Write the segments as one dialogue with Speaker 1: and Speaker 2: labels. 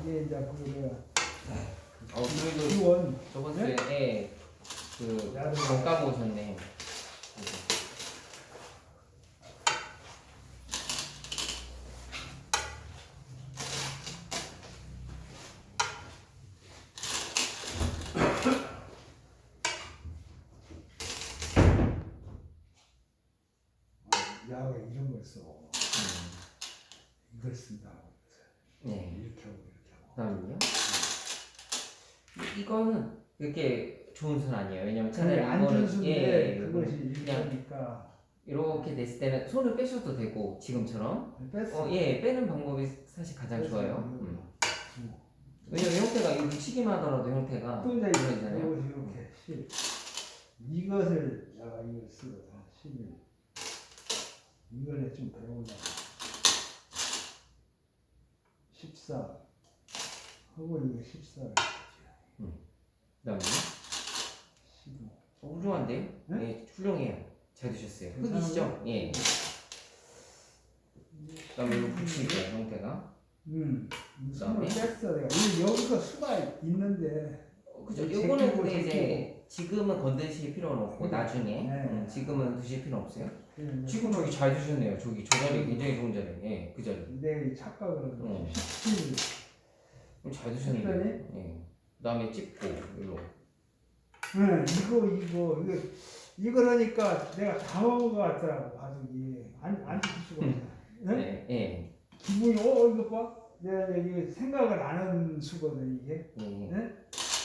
Speaker 1: 이게 이제 그 내가
Speaker 2: 그래도
Speaker 1: 지원
Speaker 2: 저번
Speaker 1: 네?
Speaker 2: 주에 그
Speaker 1: 야를
Speaker 2: 잠깐 오셨네.
Speaker 1: 야가 이런 걸 써. 이걸 쓴다고.
Speaker 2: 네.
Speaker 1: 이렇게 하고 이렇게 하고.
Speaker 2: 그다음요. 이거는 그렇게 좋은 순 아니에요. 왜냐면 차라리
Speaker 1: 안
Speaker 2: 이거는
Speaker 1: 준수인데 그것이
Speaker 2: 그냥
Speaker 1: 이러니까
Speaker 2: 이렇게 됐을 때는 손을 빼셔도 되고 지금처럼
Speaker 1: 뺐어.
Speaker 2: 빼는 방법이 사실 가장
Speaker 1: 뺐어.
Speaker 2: 좋아요. 왜냐면 형태가 이거 묻히기만 하더라도 형태가
Speaker 1: 또 이제
Speaker 2: 이러잖아요.
Speaker 1: 이렇게 10 이것을 야가 이걸 쓰거든. 11 이걸 좀 배우려고 14 하고 이거 14를
Speaker 2: 그다음에
Speaker 1: 15
Speaker 2: 훌륭한데요?
Speaker 1: 네?
Speaker 2: 네, 훌륭해요. 잘 드셨어요.
Speaker 1: 괜찮아요?
Speaker 2: 흙이시죠? 예. 그다음에 이거 붙이기요 형태가.
Speaker 1: 손을
Speaker 2: 그다음에?
Speaker 1: 뺐어 내가. 여기서 수가 있는데
Speaker 2: 그죠?
Speaker 1: 제끼고,
Speaker 2: 요거는 근데
Speaker 1: 제끼고.
Speaker 2: 이제 지금은 건드실 필요는 없고 나중에
Speaker 1: 네.
Speaker 2: 지금은 드실 필요 없어요.
Speaker 1: 그냥
Speaker 2: 지금 저기 잘 드셨네요. 저기 저 자리 굉장히 좋은 자리. 예, 그 자리.
Speaker 1: 내 착각을 하고 17
Speaker 2: 잘 드셨는데. 예. 그다음에 찝고 일로.
Speaker 1: 응, 이거 이러니까 내가 당한 것 같더라고 가족이 안 지킬 수가 없어. 네?
Speaker 2: 네, 예.
Speaker 1: 기분이 이거 봐. 내가 여기 생각을 안 하는 수거든 이게.
Speaker 2: 예.
Speaker 1: 네?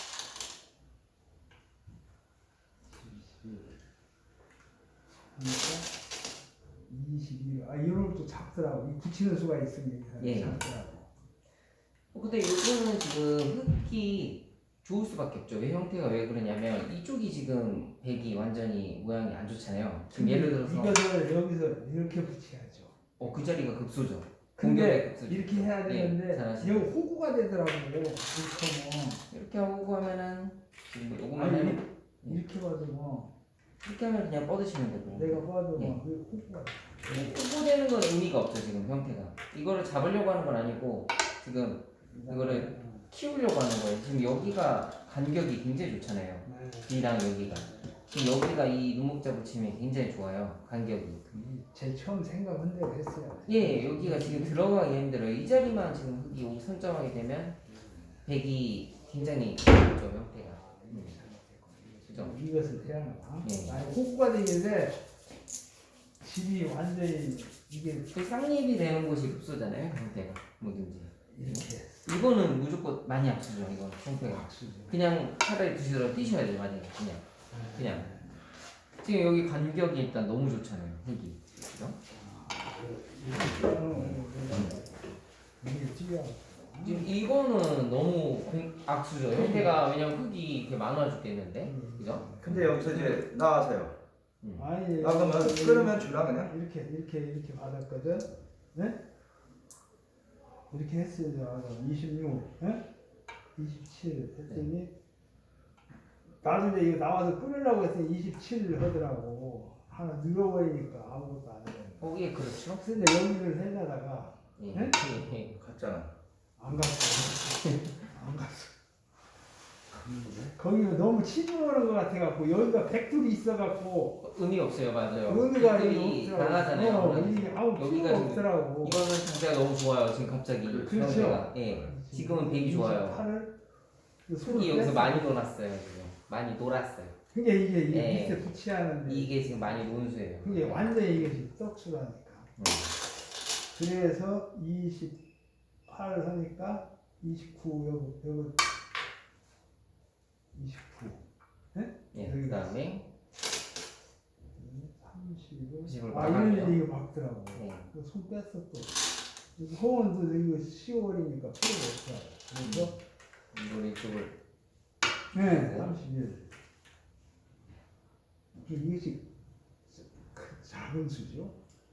Speaker 1: 그러니까 22. 이런 것도 작더라고. 이 붙이는 수가 있으면
Speaker 2: 예.
Speaker 1: 작더라고.
Speaker 2: 근데 요거는 지금 흙이 좋을 수밖에 없죠. 왜 형태가 왜 그러냐면 이쪽이 지금 백이 완전히 모양이 안 좋잖아요. 지금 예를 들어서
Speaker 1: 이것을 여기서 이렇게 붙여야죠.
Speaker 2: 그 자리가 급소죠.
Speaker 1: 근데
Speaker 2: 공격의 급소죠.
Speaker 1: 이렇게 해야 되는데
Speaker 2: 잘하시네.
Speaker 1: 여기 호구가 되더라고. 이렇게 하면
Speaker 2: 이렇게 하고 하면은 지금 요거만
Speaker 1: 아니,
Speaker 2: 하면
Speaker 1: 이렇게 봐도 뭐
Speaker 2: 이렇게 하면 그냥 뻗으시면 되고.
Speaker 1: 내가 봐도
Speaker 2: 예.
Speaker 1: 뭐 호구가
Speaker 2: 후보되는 건 의미가 없죠. 지금 형태가 이거를 잡으려고 하는 건 아니고 지금 이거를 키우려고 하는 거예요. 지금 여기가 간격이 굉장히 좋잖아요. B랑 여기가 지금 여기가 이 눈목자 붙임이 굉장히 좋아요. 간격이.
Speaker 1: 제 처음 생각한 대로 했어요.
Speaker 2: 예, 여기가 지금 들어가기 힘들어요. 이 자리만 지금 흙이 여기 선점하게 되면 백이 굉장히 좋죠 형태가. 그죠?
Speaker 1: 이것을 해야 하나?
Speaker 2: 예.
Speaker 1: 아니 호구가 되는데 집이 완전히 이게
Speaker 2: 그 쌍립이 되는 곳이 급소잖아요 형태가 뭐든지.
Speaker 1: 이렇게
Speaker 2: 이거는 무조건 많이 악수죠. 이거 형태가.
Speaker 1: 박수죠.
Speaker 2: 그냥 차라리 드시더라도 뛰셔야 돼요. 만약에 그냥 지금 여기 간격이 일단 너무 좋잖아요. 흙이. 그죠?
Speaker 1: 이게 찌야.
Speaker 2: 지금 이거는 너무 악수죠. 형태가 왜냐면 흙이 이렇게 많아 죽겠는데, 그죠?
Speaker 3: 근데 여기서 이제 나와서요.
Speaker 1: 아니
Speaker 3: 나가면 끓으면 주라 그냥.
Speaker 1: 이렇게 받았거든. 네? 이렇게 했어요. 26, 네? 27 했더니 나중에 이거 나와서 끊으려고 했더니 27 하더라고. 하나 늘어버리니까 아무것도 안 해.
Speaker 2: 예, 그렇죠.
Speaker 1: 근데 여기를 해려다가
Speaker 2: 예,
Speaker 1: 네?
Speaker 2: 예.
Speaker 3: 갔잖아.
Speaker 1: 안 갔어. 안 갔어. 거기가 너무 치중하는 것 같아갖고 여기가 백둘이 있어갖고
Speaker 2: 의미 없어요, 맞아요.
Speaker 1: 의미가
Speaker 2: 흙들이
Speaker 1: 없더라고.
Speaker 2: 강하잖아요.
Speaker 1: 이게 아무
Speaker 2: 여기가
Speaker 1: 필요가
Speaker 2: 지금
Speaker 1: 없더라고.
Speaker 2: 이거는 상태가 너무 좋아요. 지금 갑자기
Speaker 1: 그렇죠.
Speaker 2: 형태가. 예, 지금은 백이 좋아요. 흙이 여기서 많이 놀았어요. 지금 많이 놀았어요.
Speaker 1: 그게 이게
Speaker 2: 예.
Speaker 1: 밑에 붙이하는데
Speaker 2: 이게 지금 많이 논수예요.
Speaker 1: 그게 완전히 이것이 떡수라니까. 그래서 28 하니까 29 여기 29.
Speaker 2: 예, 그다음에
Speaker 1: 30.
Speaker 2: 30을
Speaker 1: 이런
Speaker 2: 막아요.
Speaker 1: 일이 이거 막더라고.
Speaker 2: 네.
Speaker 1: 손 뺐어 또. 호원도 이거 10월이니까 필요가 없어. 그래서
Speaker 2: 이걸 이쪽을
Speaker 1: 네, 31. 이것이 작은 수죠?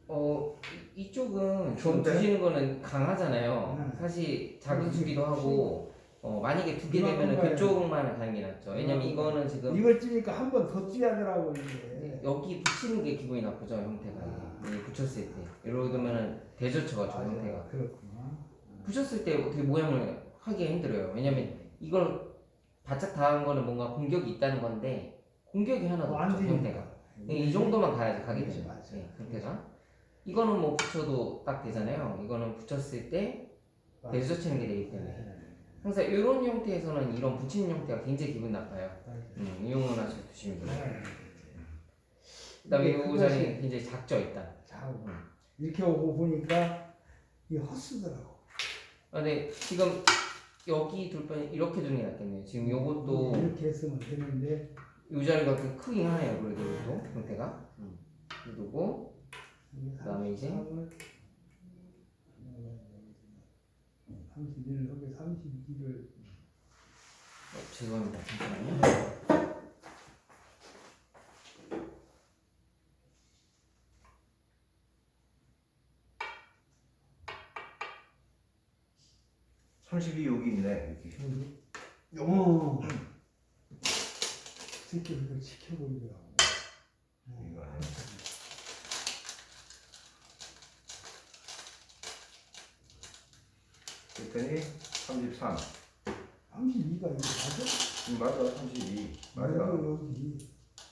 Speaker 2: 이쪽은 지금
Speaker 3: 좋은데?
Speaker 2: 두시는 거는 강하잖아요.
Speaker 1: 네.
Speaker 2: 사실 작은 수기도 하고 만약에 두 개
Speaker 1: 이만큼
Speaker 2: 되면은
Speaker 1: 가요.
Speaker 2: 그쪽만 가는 게 낫죠. 왜냐면 이거는 지금
Speaker 1: 이걸 찌니까 한 번 더 찌하더라고 이게.
Speaker 2: 여기 붙이는 게 기분이 나쁘죠 형태가. 이게 붙였을 때 이러면은 대젖혀가지고 형태가
Speaker 1: 그렇구나.
Speaker 2: 붙였을 때 어떻게 모양을 하기가 힘들어요. 왜냐면 이걸 바짝 닿은 거는 뭔가 공격이 있다는 건데 공격이 하나도
Speaker 1: 안
Speaker 2: 없죠
Speaker 1: 되니까.
Speaker 2: 형태가. 이 정도만 가야지 가게
Speaker 1: 그렇지,
Speaker 2: 되는
Speaker 1: 맞아.
Speaker 2: 형태가. 이거는 뭐 붙여도 딱 되잖아요. 이거는 붙였을 때 배수 치는 게 되기 때문에 항상 이런 형태에서는 이런 붙이는 형태가 굉장히 기분 나빠요. 이용은 하셔도 조심히 돼요. 그다음에 이
Speaker 1: 그것이-
Speaker 2: 자리는 굉장히 작죠 일단.
Speaker 1: 자, 이렇게 오고 보니까 이게 헛수더라고.
Speaker 2: 근데 지금 여기 둘 뻔 이렇게 두는 게 낫겠네요. 지금 요것도
Speaker 1: 이렇게 했으면 되는데
Speaker 2: 이 자리가 좀 크긴 하네요. 그래도 이것도 형태가. 두고 그다음에 이제
Speaker 1: 31을 하게 32를
Speaker 2: 죄송합니다. 잠시만요.
Speaker 3: 삼십이 여기 있네. 이렇게.
Speaker 1: 새끼 이걸 지켜보더라고.
Speaker 3: 이거 아니야. 그랬더니 33.
Speaker 1: 32가 이거 맞아?
Speaker 3: 맞아. 32. 맞아.
Speaker 1: 여기.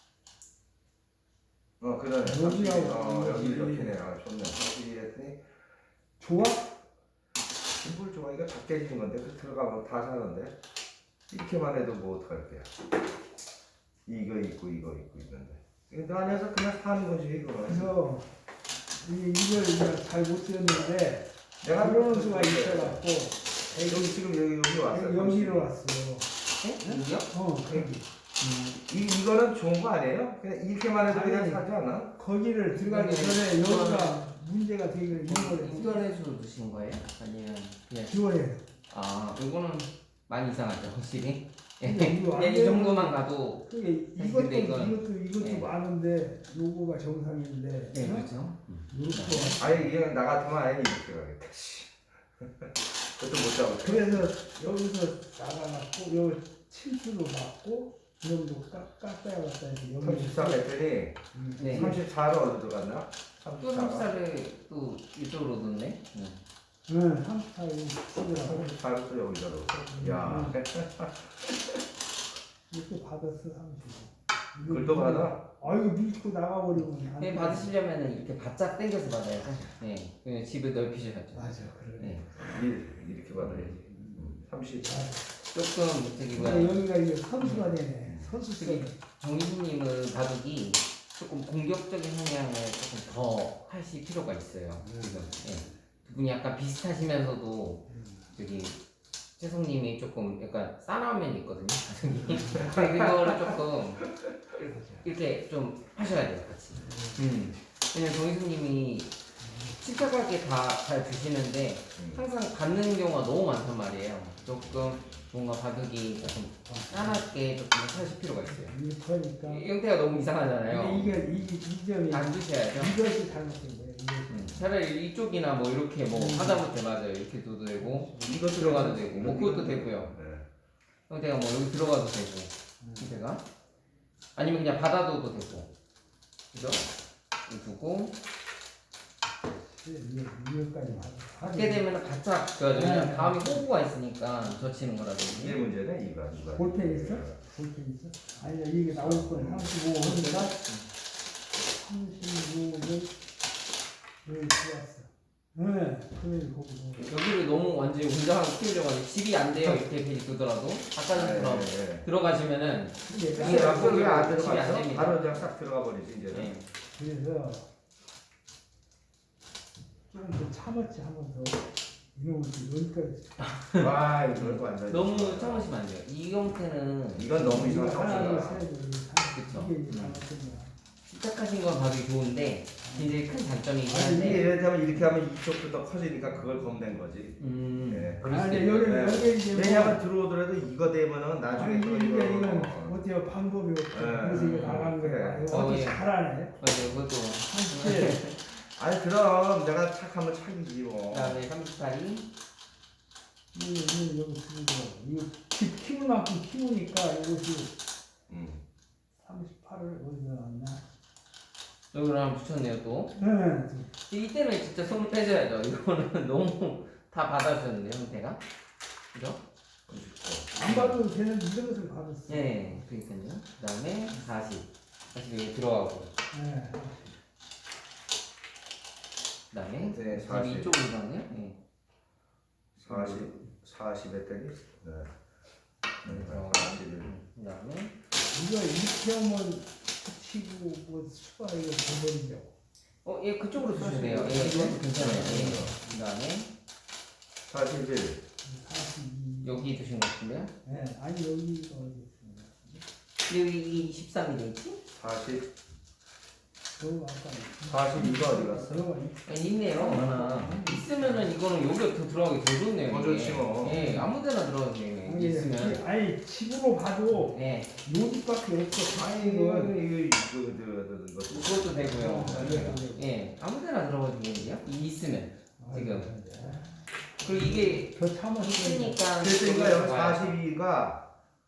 Speaker 3: 그러네.
Speaker 1: 여기하고
Speaker 3: 32. 여기
Speaker 1: 여기.
Speaker 3: 이렇게네. 좋네. 32 했더니
Speaker 1: 좋아?
Speaker 3: 뭘 좋아. 이거 다 깨지는 건데 그 들어가면 다 사는데 이렇게만 해도 뭐 어떡할게요. 이거 있고 이거 있고 있는데 그 안에서 그냥 사는 거지 이거.
Speaker 1: 그래서 이걸 그냥 잘 못 쓰였는데
Speaker 3: 내가
Speaker 1: 그런 수가 있어갖고
Speaker 3: 여기 지금 여기 왔어.
Speaker 1: 여기로 왔어.
Speaker 2: 네? 여기요?
Speaker 1: 거기.
Speaker 3: 이거는 좋은 거 아니에요? 그냥 이렇게만 해도 그냥
Speaker 1: 아니.
Speaker 3: 사지 않아?
Speaker 1: 거기를 들어가기 전에 여기가 문제가 되기를 이거를
Speaker 2: 지원해서 넣으신 거예요? 아니면 그냥
Speaker 1: 지원해요.
Speaker 2: 이거는 많이 이상하죠 확실히.
Speaker 1: 근데 이거 안
Speaker 2: 그냥 이
Speaker 1: 되는
Speaker 2: 정도만 가도
Speaker 1: 그게
Speaker 2: 사실
Speaker 1: 이것도
Speaker 2: 근데 이거는- 네.
Speaker 1: 많은데 요거가 정상인데
Speaker 2: 네 그렇죠.
Speaker 1: 이렇게
Speaker 3: 아니 이게 나 같으면 아예 이렇게 가겠다. 씨. 그것도 못 잡았어.
Speaker 1: 그래서 여기서 나가갖고 요 7수로 맞고 이 정도 깎아야 갔다 해서 여기
Speaker 3: 33 했더니
Speaker 2: 네.
Speaker 3: 34로 어디 들어갔나?
Speaker 2: 또 34를 또 이쪽으로 넣네.
Speaker 1: 응, 34로 쓰더라고.
Speaker 3: 34로 또 여기다 넣었어. 야.
Speaker 1: 이렇게 받았어 35.
Speaker 3: 그걸 또 받아?
Speaker 1: 아이고 밀고 나가버리면 안
Speaker 2: 네,
Speaker 1: 돼.
Speaker 2: 받으시려면은 이렇게 바짝 당겨서 받아야죠. 네, 그냥 집을 넓히셔야죠.
Speaker 1: 맞아 그래.
Speaker 2: 네,
Speaker 3: 이렇게 받아야지. 30.
Speaker 2: 조금 저기
Speaker 1: 근데
Speaker 2: 뭐야
Speaker 1: 여기가 이게 선수가 되네. 선수
Speaker 2: 저기 정희진님은 바둑이 조금 공격적인 성향을 조금 더 하실 필요가 있어요. 지금 네. 두 분이 약간 비슷하시면서도 저기 채성님이 조금 약간 싸나운 면이 있거든요. 바둑이. 그거를 조금 이렇게 좀 하셔야 돼요, 같이. 왜냐면 정희수님이 침착하게 다 잘 주시는데 항상 받는 경우가 너무 많단 말이에요. 조금 뭔가 바둑이 조금 싸납게 조금 하실 필요가 있어요.
Speaker 1: 이게 그러니까
Speaker 2: 이 형태가 너무 이상하잖아요.
Speaker 1: 이게 이 점이
Speaker 2: 안 주셔야죠.
Speaker 1: 이것이 잘못된 거예요.
Speaker 2: 차라리 이쪽이나 뭐 이렇게 뭐 하다못해 맞아요. 이렇게 둬도 되고
Speaker 3: 이거
Speaker 2: 들어가도 되고 뭐 그것도 되고요.
Speaker 3: 네.
Speaker 2: 형태가 뭐 여기 들어가도 되고 형태가 아니면 그냥 받아둬도 되고 그죠? 이거 두고
Speaker 1: 이거까지
Speaker 2: 받게 되면 바짝 그죠? 왜냐면 다음에 호구가 있으니까 젖히는
Speaker 3: 이게
Speaker 2: 거라든지
Speaker 3: 문제네 이거.
Speaker 1: 볼펜 있어? 볼펜 있어? 아니 이게 나올 거는 35 혼자가 35는 여기 들어왔어. 네, 그러면 거기서
Speaker 2: 여기를 너무 완전히 웅장하게 키우려고 하는데 집이 안 돼요 이렇게 괜히 두더라도 아까처럼 들어가시면은
Speaker 1: 이게
Speaker 3: 이게 앞으로 왜안
Speaker 2: 집이 안
Speaker 3: 들어갔어?
Speaker 2: 됩니다.
Speaker 3: 바로 그냥 싹 들어가 버리지 이제는.
Speaker 2: 네.
Speaker 1: 그래서 조금 더 참았지 한번 더 이놈을 여기까지
Speaker 3: 와 이거 완전.
Speaker 2: 너무 참으시면 안 돼요. 이 형태는
Speaker 3: 이건 너무
Speaker 1: 이거
Speaker 3: 이상한
Speaker 1: 하나
Speaker 3: 상태다.
Speaker 2: 그쵸.
Speaker 1: 이게 이제 잘못된
Speaker 2: 시작하신 건 봐도 좋은데 굉장히 큰 단점이긴
Speaker 3: 아니 이게
Speaker 2: 한데
Speaker 3: 예를 이렇게 하면 이쪽도 더 커지니까 그걸 겁낸 거지. 네.
Speaker 2: 그럴 수도
Speaker 1: 아니
Speaker 2: 있고요.
Speaker 1: 여기 이제
Speaker 3: 왜냐면 들어오더라도 이거 되면은 나중에 또
Speaker 1: 이게
Speaker 3: 이거.
Speaker 1: 이건 어때요 방법이 없어. 그래서 이거 나간 거야.
Speaker 3: 그래.
Speaker 1: 이거 어떻게
Speaker 2: 예.
Speaker 1: 잘하네.
Speaker 2: 맞아요. 그것도
Speaker 1: 사실
Speaker 3: 아니 그럼 내가 착하면 착이지 뭐.
Speaker 2: 그다음에 38이
Speaker 1: 이 여기 쓰고 이거 키울 만큼 키우니까 이것이 38을 어디서 나왔나?
Speaker 2: 여기를 한번 붙였네요 또.
Speaker 1: 네.
Speaker 2: 이때는 진짜 손을 빼줘야죠. 이거는 너무 다 받아주셨는데 형태가. 그죠?
Speaker 1: 안 받아도 되는데 이런 것을 받았어.
Speaker 2: 네, 그러니까요. 그다음에 40 여기 들어가고,
Speaker 1: 네.
Speaker 2: 그다음에
Speaker 3: 네,
Speaker 2: 40
Speaker 3: 40.
Speaker 2: 이쪽으로 가네. 네.
Speaker 3: 40에 때리. 네.
Speaker 2: 들어가고,
Speaker 3: 41.
Speaker 2: 그다음에
Speaker 1: 이거 이렇게 하면 붙이고 뭐 수가 이거 돼버리죠.
Speaker 2: 예, 그쪽으로 주셔야 돼요. 예, 이것도 괜찮아요. 예. 그다음에
Speaker 3: 41.
Speaker 1: 42.
Speaker 2: 여기 두신 것 같은데요?
Speaker 1: 네. 아니 여기가 어디 있습니다.
Speaker 2: 여기 23이 돼 있지?
Speaker 3: 40.
Speaker 1: 저거 아까
Speaker 3: 42가 어디 갔어?
Speaker 1: 저거가
Speaker 2: 있네요. 하나. 있으면은 이거는 여기가 더 들어가기 더 좋네요.
Speaker 3: 더
Speaker 2: 이게.
Speaker 3: 좋지 뭐.
Speaker 2: 예, 아무데나 들어가도 돼요. 이게 있으면.
Speaker 1: 아니 집으로 가도
Speaker 2: 예,
Speaker 1: 요집밖에 없어.
Speaker 3: 아니 이거
Speaker 2: 그것도 되고요.
Speaker 1: 네.
Speaker 2: 예, 아무데나 들어가도 되는데요. 이 있으면. 지금.
Speaker 1: 아,
Speaker 2: 그리고 이게
Speaker 1: 저 참아
Speaker 2: 있으니까.
Speaker 3: 그러니까 여기
Speaker 2: 들어가야
Speaker 3: 42가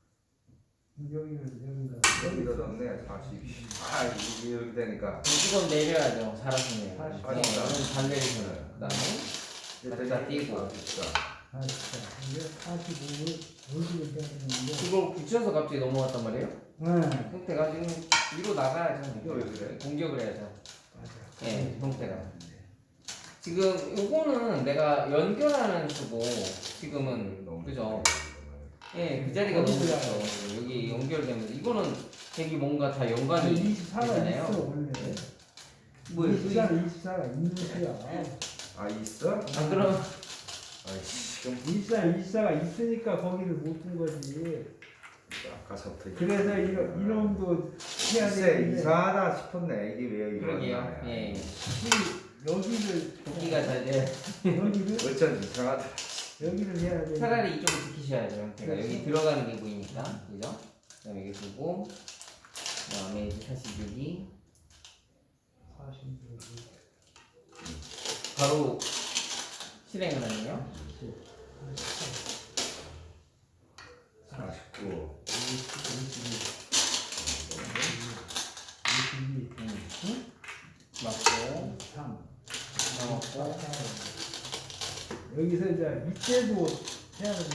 Speaker 1: 여기가
Speaker 3: 여기다 넣네 42. 아 이게 여기 되니까.
Speaker 2: 이건 내려야죠. 잘하시네요.
Speaker 1: 40.
Speaker 2: 예, 이건 잘 내리셔요. 그다음에 여기다 띄고.
Speaker 1: 아 진짜 이게 45를 여기를 해야 되는데.
Speaker 2: 이걸 붙여서 갑자기 넘어갔단 말이에요.
Speaker 1: 네.
Speaker 2: 형태가 지금 위로 나가야죠.
Speaker 3: 이거 왜 그래?
Speaker 2: 공격을 해야죠.
Speaker 1: 맞아.
Speaker 2: 예, 형태가. 지금 요거는 내가 연결하는 수고 지금은 그죠? 예, 그 자리가 너무 좋죠. 여기 연결되면서 이거는 되게 뭔가 다 연관이
Speaker 1: 24가
Speaker 2: 되잖아요.
Speaker 1: 있어 원래.
Speaker 2: 뭐
Speaker 1: 24가 있는 수야.
Speaker 3: 아 있어?
Speaker 2: 아 그럼
Speaker 3: 아이씨 그럼
Speaker 1: 24가 있으니까 거기를 못 둔 거지.
Speaker 3: 아까서부터
Speaker 1: 그래서 이놈도 해야
Speaker 3: 글쎄
Speaker 1: 되는데
Speaker 3: 이상하다 싶었네 이게 왜 이거
Speaker 2: 그러게요. 예,
Speaker 1: 여기를
Speaker 2: 복귀가 잘 돼.
Speaker 1: 여기를
Speaker 3: 어쩐 이상하다.
Speaker 1: 여기를 해야 돼.
Speaker 2: 차라리 이쪽을 지키셔야죠. 형태가 여기 들어가는 게 보이니까 그죠? 그다음에 여기 두고 그다음에 이제 46이
Speaker 1: 46.
Speaker 2: 바로 실행을 하네요.
Speaker 3: 49.
Speaker 1: 22.
Speaker 2: 맞고
Speaker 1: 3.
Speaker 2: 남았고
Speaker 1: 여기서 이제 밑에도 해야 돼.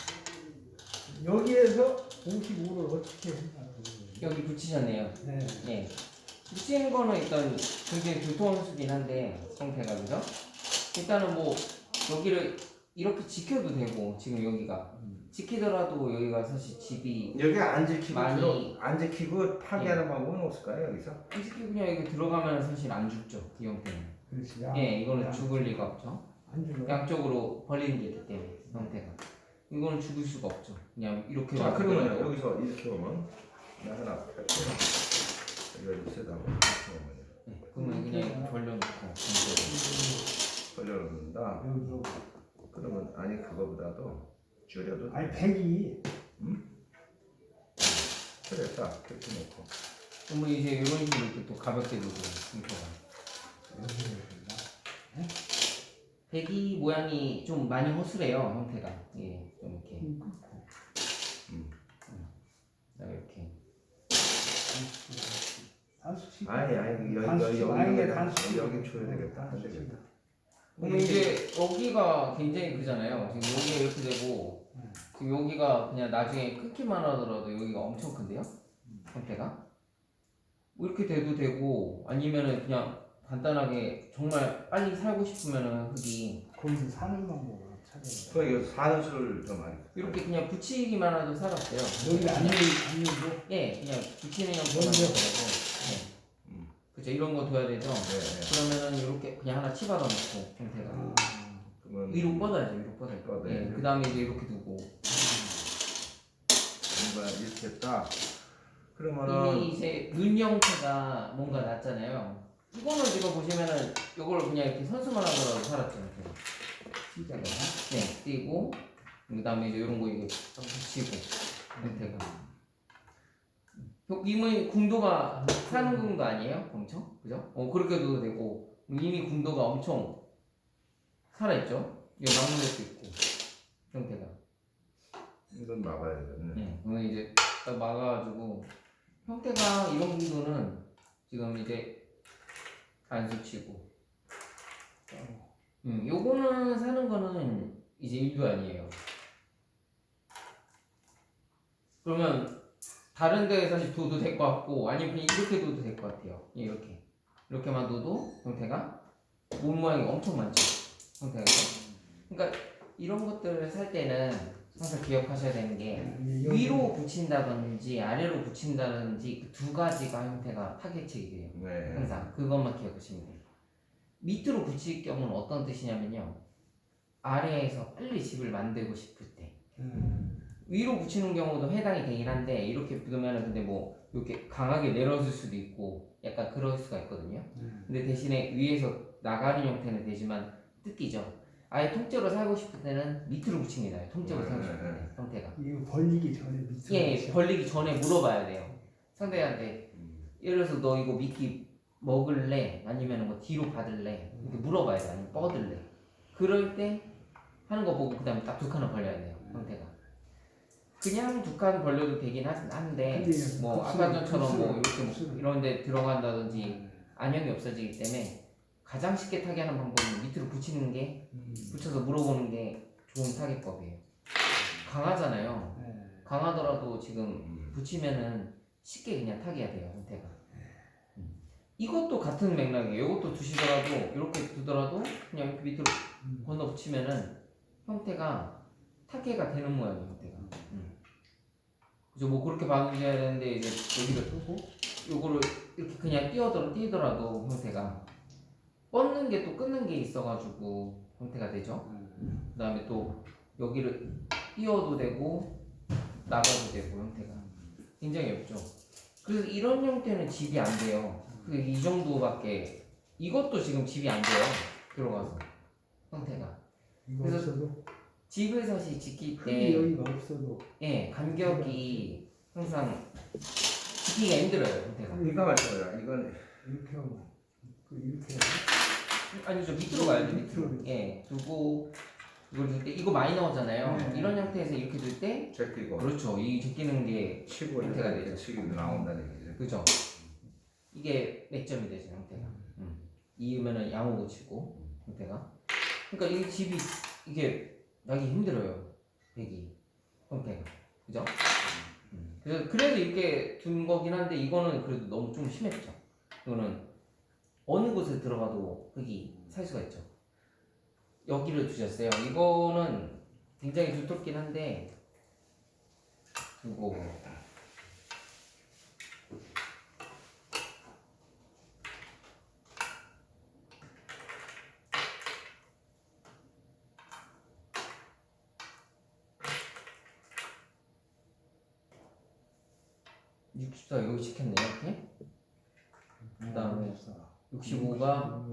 Speaker 1: 여기에서 55를 어떻게 생각하는 거예요?
Speaker 2: 여기 붙이셨네요.
Speaker 1: 네.
Speaker 2: 예. 붙이는 거는 일단 굉장히 불통수긴 한데 형태가 그죠? 일단은 뭐 여기를 이렇게 지켜도 되고 지금 여기가 지키더라도 여기가 사실 집이
Speaker 3: 여기 안 지키고
Speaker 2: 많이-
Speaker 3: 안 지키고 파괴하는 방법은 없을까요 여기서?
Speaker 2: 솔직히 그냥 여기 들어가면 사실 안 죽죠 이 형태는.
Speaker 1: 그렇지.
Speaker 2: 예, 이거는 죽을 리가 없죠.
Speaker 1: 안 죽어.
Speaker 2: 양쪽으로 벌리는 게 있기 때문에 형태가. 이거는 죽을 수가 없죠. 그냥 이렇게
Speaker 3: 자 그러면
Speaker 2: 놔두더라도.
Speaker 3: 여기서 이렇게 오면 나 하나 할게요. 이거 좀 세다. 이렇게 오면
Speaker 2: 예, 그러면 그냥 이렇게 벌려놓고
Speaker 3: 걸려놓는다.
Speaker 1: 여기로.
Speaker 3: 그러면 아니 그거보다도 줄여도
Speaker 1: 아니 100이
Speaker 3: 그래 딱 그렇게 놓고
Speaker 2: 그러면 이제 이런 식으로 이렇게 또 가볍게 두고 형태가. 배기 모양이 좀 많이 허술해요 형태가. 예, 좀 이렇게. 그다음에 이렇게.
Speaker 3: 아니 여기 줘야 되겠다. 안 되겠다.
Speaker 2: 그러면 이제 여기가 굉장히 크잖아요. 지금 여기가 이렇게 되고 지금 여기가 그냥 나중에 끊기만 하더라도 여기가 엄청 큰데요? 형태가? 뭐 이렇게 돼도 되고 아니면은 그냥 간단하게 정말 빨리 살고 싶으면은 흙이
Speaker 1: 거기서 사는 방법을 찾아야
Speaker 3: 그 여기 사는 수를 좀 많이
Speaker 2: 이렇게 그냥 붙이기만 해도 살았어요.
Speaker 1: 여기 안 열고
Speaker 2: 예, 그냥 붙이는 형태가
Speaker 1: 먼저.
Speaker 2: 되더라고. 예. 그죠? 이런 거 둬야 되죠?
Speaker 3: 네.
Speaker 2: 그러면은 이렇게 그냥 하나 치받아 놓고 형태가
Speaker 3: 그러면
Speaker 2: 위로 뻗어야죠. 위로 뻗어야죠.
Speaker 3: 뻗어야죠.
Speaker 2: 예, 그 다음에 이제 이렇게 두고
Speaker 3: 뭔가 이렇게 했다.
Speaker 2: 이미
Speaker 3: 그러면은
Speaker 2: 이제 눈 형태가 뭔가 났잖아요. 이거는 지금 보시면은 이걸 그냥 이렇게 선수만 하더라도 살았죠. 이렇게.
Speaker 1: 진짜로.
Speaker 2: 네, 띄고 그 다음에 이제 이런 거 이거 딱 붙이고 형태가. 이미 궁도가 사는 궁도 아니에요? 엄청? 그죠? 그렇게 둬도 되고 이미 궁도가 엄청 살아있죠? 이거 막는 것도 있고 형태가.
Speaker 3: 이건 막아야 되네.
Speaker 2: 네, 그러면 이제 딱 막아가지고 형태가 이런 궁도는 지금 이제 안 스치고 요거는 사는 거는 이제 일도 아니에요. 그러면 다른 데에 사실 둬도 될 것 같고 아니면 그냥 이렇게 둬도 될 것 같아요. 이렇게만 둬도 형태가 몸 모양이 엄청 많죠. 형태가. 그러니까 이런 것들을 살 때는 항상 기억하셔야 되는 게 위로 붙인다든지 아래로 붙인다든지 그 두 가지가 형태가 타겟책이 돼요.
Speaker 3: 네.
Speaker 2: 항상 그것만 기억하시면 돼요. 밑으로 붙일 경우는 어떤 뜻이냐면요. 아래에서 빨리 집을 만들고 싶을 때 위로 붙이는 경우도 해당이 되긴 한데 이렇게 붙으면 근데 뭐 이렇게 강하게 내려줄 수도 있고 약간 그럴 수가 있거든요. 근데 대신에 위에서 나가는 형태는 되지만 뜯기죠. 아예 통째로 살고 싶을 때는 밑으로 붙이는 게 나아요. 통째로 살고 싶을 때 형태가.
Speaker 1: 이거 벌리기 전에 밑으로
Speaker 2: 예,
Speaker 1: 붙여.
Speaker 2: 벌리기 전에 물어봐야 돼요. 상대한테 예를 들어서 너 이거 미끼 먹을래? 아니면 뭐 뒤로 받을래? 이렇게 물어봐야 돼. 아니면 뻗을래? 그럴 때 하는 거 보고 그 다음에 딱 두 칸을 벌려야 돼요. 형태가. 그냥 두 칸 벌려도 되긴 한데
Speaker 1: 근데
Speaker 2: 뭐
Speaker 1: 급수로,
Speaker 2: 아까 전처럼 뭐 이렇게 뭐
Speaker 1: 급수로.
Speaker 2: 이런 데 들어간다든지 안형이 없어지기 때문에 가장 쉽게 타게 하는 방법은 밑으로 붙이는 게 붙여서 물어보는 게 좋은 타겟법이에요. 강하잖아요. 강하더라도 지금 붙이면은 쉽게 그냥 타기가 돼요. 형태가. 이것도 같은 맥락이에요. 이것도 두시더라도 이렇게 두더라도 그냥 이렇게 밑으로 건너 붙이면은 형태가 타개가 되는 모양이에요. 형태가. 그죠? 뭐 그렇게 봐주셔야 되는데 이제 여기를 뜨고 요거를 이렇게 그냥 띄더라도 형태가 뻗는 게 또 끊는 게 있어가지고 형태가 되죠. 그 다음에 또 여기를 띄워도 되고 나가도 되고 형태가 굉장히 없죠. 그래서 이런 형태는 집이 안 돼요. 이 정도밖에 이것도 지금 집이 안 돼요. 들어가서 형태가.
Speaker 1: 이거
Speaker 2: 그래서
Speaker 1: 없어도
Speaker 2: 집을 사실 짓기
Speaker 1: 흙이
Speaker 2: 때
Speaker 1: 여기가 없어도
Speaker 2: 예, 간격이 항상 짓기가 힘들어요. 형태가.
Speaker 3: 이거 말씀이야. 이건
Speaker 1: 이렇게 하고 이렇게 하고
Speaker 2: 아니죠. 밑으로 가야 돼. 밑으로. 예, 두고 이걸 둘 때 이거 많이 나오잖아요.
Speaker 1: 네.
Speaker 2: 이런 형태에서 이렇게 둘 때
Speaker 3: 제끼고
Speaker 2: 그렇죠. 이 제끼는 게
Speaker 3: 치고
Speaker 2: 형태가
Speaker 3: 이렇게
Speaker 2: 되죠.
Speaker 3: 치고 나온다는 얘기죠.
Speaker 2: 그죠. 이게 맥점이 되죠. 형태가. 이으면은 양호 붙이고 형태가. 그러니까 이 집이 이게 나기 힘들어요. 백이 형태가. 그죠? 그래서 이렇게 둔 거긴 한데 이거는 그래도 너무 좀 심했죠. 이거는 어느 곳에 들어가도 흙이 살 수가 있죠. 여기를 두셨어요. 이거는 굉장히 두텁긴 한데 두고 (64) 여기 시켰네요. 이렇게. 그다음에 65가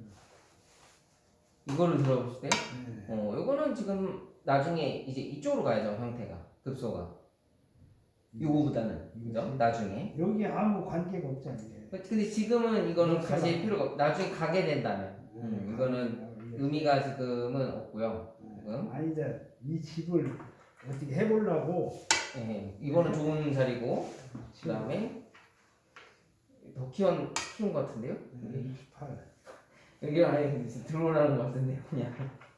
Speaker 2: 이거를 들어볼 때, 이거는 지금 나중에 이제 이쪽으로 가야죠. 형태가 급소가 요거보다는 그죠? 나중에.
Speaker 1: 여기 아무 관계가 없잖아 이게.
Speaker 2: 근데 지금은 이거는
Speaker 1: 그렇죠.
Speaker 2: 가실 필요가 나중에 가게 된다면 이거는 의미가 지금은 없고요. 지금
Speaker 1: 아니 이제 이 집을 어떻게 해보려고
Speaker 2: 예, 이거는 좋은 자리고 그다음에 더 키운 것 같은데요?
Speaker 1: 28
Speaker 2: 여기 아예 들어오라는 것 같은데요, 그냥.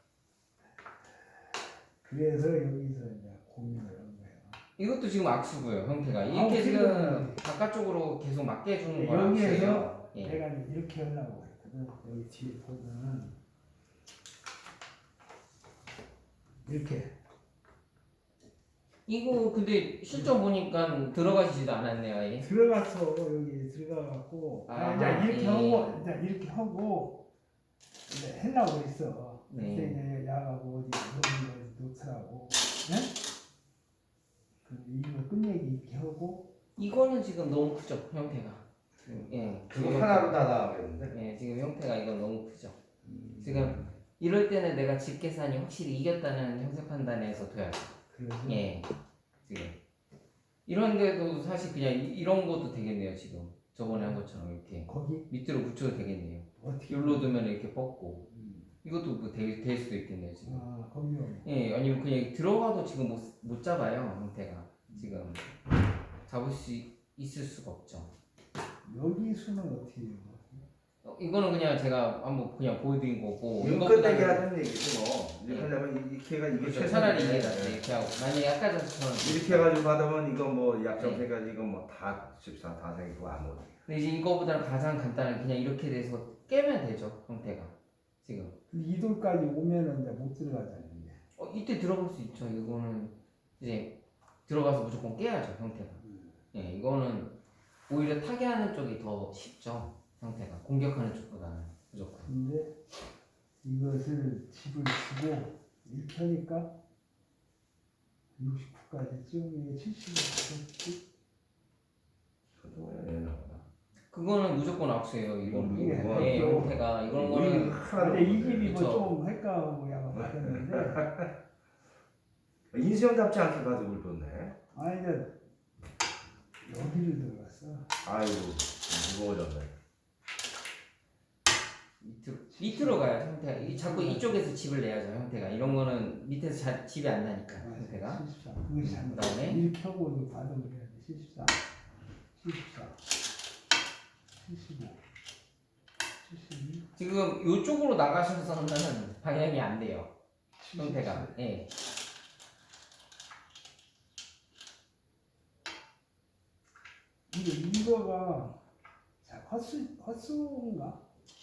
Speaker 1: 그래서 여기서 이제 고민을 한 거예요.
Speaker 2: 이것도 지금 악수고요, 형태가. 이렇게 지금 바깥쪽으로 계속 맞게 해주는 건
Speaker 1: 여기에서
Speaker 2: 악수예요. 예.
Speaker 1: 내가 이렇게 하려고 했거든. 여기 뒤에 보면은 이렇게
Speaker 2: 이거 근데 실전 보니까 들어가지도 않았네요, 아예.
Speaker 1: 들어갔어. 여기 들어가갖고
Speaker 2: 아,
Speaker 1: 이제 이렇게
Speaker 2: 예.
Speaker 1: 하고 이제 이렇게 하고 이제 하려고 했어.
Speaker 2: 네.
Speaker 1: 그때 이제 야하고 어디 이런 거 놓더라고. 네? 이거 끝내기 이렇게 하고
Speaker 2: 이거는 지금 너무 크죠, 형태가. 예.
Speaker 3: 그거 하나로 다 나오겠는데.
Speaker 2: 예, 지금 형태가 이건 너무 크죠. 지금 이럴 때는 내가 집 계산이 확실히 이겼다는 형세 판단에서 둬야죠.
Speaker 1: 그래서
Speaker 2: 예, 지금 이런데도 사실 그냥 이런 것도 되겠네요. 지금 저번에 한 것처럼 이렇게
Speaker 1: 거기
Speaker 2: 밑으로 붙여도 되겠네요.
Speaker 1: 어떻게
Speaker 2: 여기로 두면 이렇게 뻗고 이것도 뭐 될 수도 있겠네요. 지금.
Speaker 1: 아 거기요.
Speaker 2: 예, 아니면 그냥 들어가도 지금 못 잡아요. 형태가 지금 잡을 수 있을 수가 없죠.
Speaker 1: 여기 수는 어떻게 해요?
Speaker 2: 이거는 그냥 제가 한번 그냥 보여드린 거고
Speaker 3: 이거
Speaker 2: 이거보다는
Speaker 3: 끝내기 하는 얘기지 뭐.
Speaker 2: 네.
Speaker 3: 이렇게 하려면 이렇게 해가 이게
Speaker 2: 그렇죠.
Speaker 3: 제일
Speaker 2: 차라리
Speaker 3: 편해.
Speaker 2: 이게 낫지. 이렇게 하고 만약에 아까 전처럼
Speaker 3: 이렇게 해가지고 받으면 이거 뭐 약정
Speaker 2: 네.
Speaker 3: 세 가지 이거 뭐다 14, 다 생기고 아무.
Speaker 2: 근데 이제 이거보다는 가장 간단한 그냥 이렇게 돼서 깨면 되죠 형태가 지금.
Speaker 1: 이 돌까지 오면은 이제 못 들어가잖아요. 이게.
Speaker 2: 이때 들어갈 수 있죠. 이거는 이제 들어가서 무조건 깨야죠 형태가. 예, 이거는 오히려 타개하는 쪽이 더 쉽죠 형태가 공격하는 쪽보다는 무조건.
Speaker 1: 근데 이것을 집을 주고 이렇게 하니까 69까지 쯤 70까지
Speaker 2: 그거는 무조건 악수예요. 이건
Speaker 1: 이게
Speaker 2: 예,
Speaker 1: 또-
Speaker 2: 형태가 이런 거는
Speaker 1: 근데 이 집이
Speaker 2: 그쵸.
Speaker 1: 뭐좀 헷갈리고 약간 바뀌었는데
Speaker 3: 인수형답지 않게 가지고 뒀네.
Speaker 1: 아 이제 여기를 들어갔어.
Speaker 3: 아이고 무거워졌네.
Speaker 2: 밑으로 가야 형태가 자꾸 이쪽에서 집을 내야죠 형태가. 이런 거는 밑에서 집이 안 나니까 형태가.
Speaker 1: 74. 그것이 잘못.
Speaker 2: 그다음에
Speaker 1: 이렇게 하고 이거 받으면 해야 돼. 74, 74, 75, 72,
Speaker 2: 지금 이쪽으로 나가셔서는 방향이 안 돼요
Speaker 1: 77.
Speaker 2: 형태가. 예.
Speaker 1: 근데 이거가 자, 헛수인가?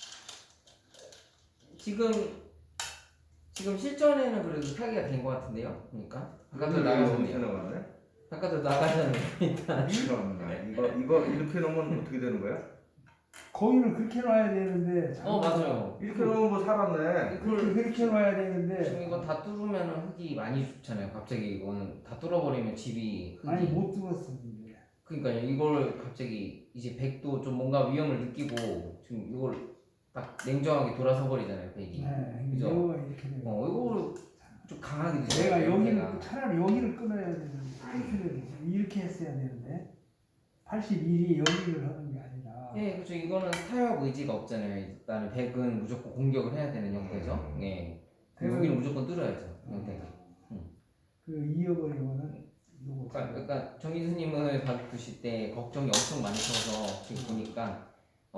Speaker 2: 지금 실전에는 그래도 타기가 된 것 같은데요. 그러니까 바깥으로
Speaker 3: 이렇게
Speaker 2: 나가셨네요.
Speaker 3: 나갔네.
Speaker 2: 바깥으로 나가셨네요. 일단
Speaker 3: 이거 이렇게 놓으면 어떻게 되는 거야?
Speaker 1: 거기를 그렇게 놔야 되는데
Speaker 2: 맞아요.
Speaker 3: 이렇게 놓으면 뭐 살았네.
Speaker 1: 그렇게 놔야
Speaker 2: 지금
Speaker 1: 되는데
Speaker 2: 이거 다 뚫으면 흙이 많이 죽잖아요. 갑자기 이거는 다 뚫어버리면 집이 흙이.
Speaker 1: 아니 못 뚫었어 근데.
Speaker 2: 그러니까요. 이걸 갑자기 이제 백도 좀 뭔가 위험을 느끼고 지금 이걸 딱 냉정하게 돌아서 버리잖아요. 백이.
Speaker 1: 네,
Speaker 2: 그죠?
Speaker 1: 이거가 이렇게 되는 거야.
Speaker 2: 이거를 좀 강하게
Speaker 1: 내가
Speaker 2: 드셔야
Speaker 1: 여기를
Speaker 2: 돼요.
Speaker 1: 차라리 여기를 끊어야 되는데 이렇게 했어야 되는데 81이 여기를 하는 게 아니라
Speaker 2: 예, 그렇죠. 이거는 타협 의지가 없잖아요. 일단은 백은 무조건 공격을 해야 되는 형태죠. 예. 여기는 무조건 뚫어야죠. 형태가.
Speaker 1: 그 이어버리면은 요거
Speaker 2: 그러니까 정 교수님을 봐두실 때 걱정이 엄청 많으셔서 지금 보니까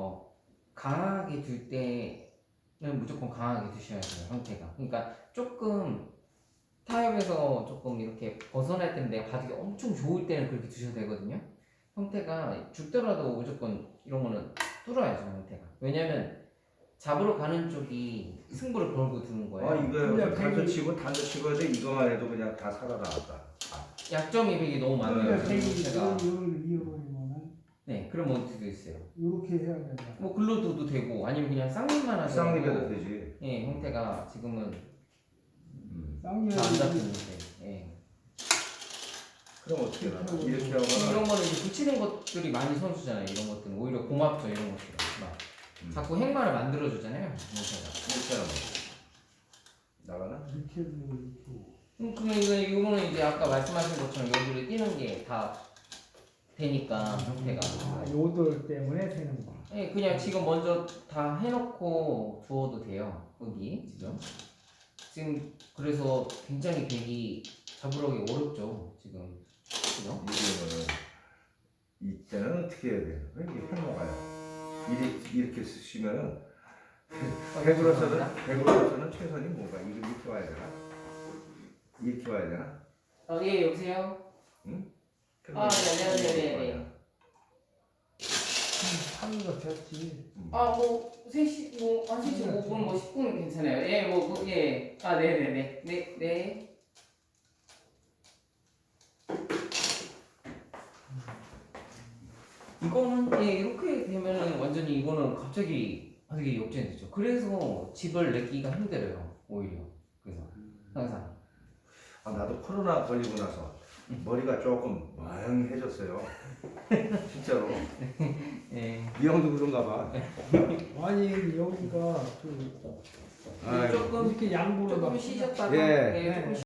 Speaker 2: 강하게 둘 때는 무조건 강하게 두셔야 돼요. 형태가. 그러니까 조금 타협에서 조금 이렇게 벗어날 때는 내가 바둑이 엄청 좋을 때는 그렇게 두셔도 되거든요. 형태가 죽더라도 무조건 이런 거는 뚫어야죠. 형태가. 왜냐면 잡으러 가는 쪽이 승부를 걸고 두는 거예요.
Speaker 3: 아 이거
Speaker 1: 그냥
Speaker 3: 단도
Speaker 1: 백이-
Speaker 3: 치고 단도 치고 해도 이거만 해도 그냥 다 살아나갔다.
Speaker 2: 약점이 백이 너무 많아요.
Speaker 1: 그러니까 백이
Speaker 2: 형태가.
Speaker 1: 여기를 이어버리면은
Speaker 2: 네, 그런 원투도 있어요.
Speaker 1: 요렇게 해야 된다.
Speaker 2: 뭐 글로 둬도 되고 아니면 그냥 쌍립만 하셔도
Speaker 3: 쌍립해도 되지.
Speaker 2: 예, 형태가 지금은
Speaker 1: 쌍이어
Speaker 2: 잘 안 잡히는데. 예.
Speaker 3: 그럼 어떻게 하나? 이렇게
Speaker 2: 이런
Speaker 3: 하면
Speaker 2: 거는 이제 붙이는 것들이 많이 선수잖아요. 이런 것들은 오히려 고맙죠. 이런 것들은 막 자꾸 행마를 만들어 주잖아요. 형태가.
Speaker 3: 이렇게 하면 나가나?
Speaker 1: 이렇게 해도 이렇게.
Speaker 2: 그러면 이거는 이제 아까 말씀하신 것처럼 여기를 띄는 게 다 되니까 형태가.
Speaker 1: 아, 요돌 때문에 되는 거.
Speaker 2: 예, 그냥 지금 먼저 다 해놓고 두어도 돼요. 여기 지금 그래서 굉장히 백이 잡으러기 어렵죠. 지금 그죠?
Speaker 3: 이거는 이때는 어떻게 해야 돼요? 이게 해먹어요. 이렇게 쓰시면은 백으로서는 최선이 뭔가 이렇게 와야 되나? 이렇게 와야 되나?
Speaker 2: 예, 여보세요. 네네네네.
Speaker 1: 하루가 됐지.
Speaker 2: 뭐 3시 한 3시 5분 뭐 10분 괜찮아요. 예, 예. 네네네. 네. 이거는 이렇게 되면은 완전히 이거는 갑자기 되게 역전되죠. 그래서 집을 내기가 힘들어요. 오히려 그래서 항상.
Speaker 3: 나도 코로나 걸리고 나서 머리가 조금 멍해졌어요. 진짜로.
Speaker 2: 예.
Speaker 3: 이 형도 그런가 봐.
Speaker 1: 아니 여기가
Speaker 3: 아이고.
Speaker 2: 조금
Speaker 1: 이렇게 양보로
Speaker 2: 조금
Speaker 1: 막
Speaker 2: 쉬셨다가
Speaker 3: 예.
Speaker 2: 조금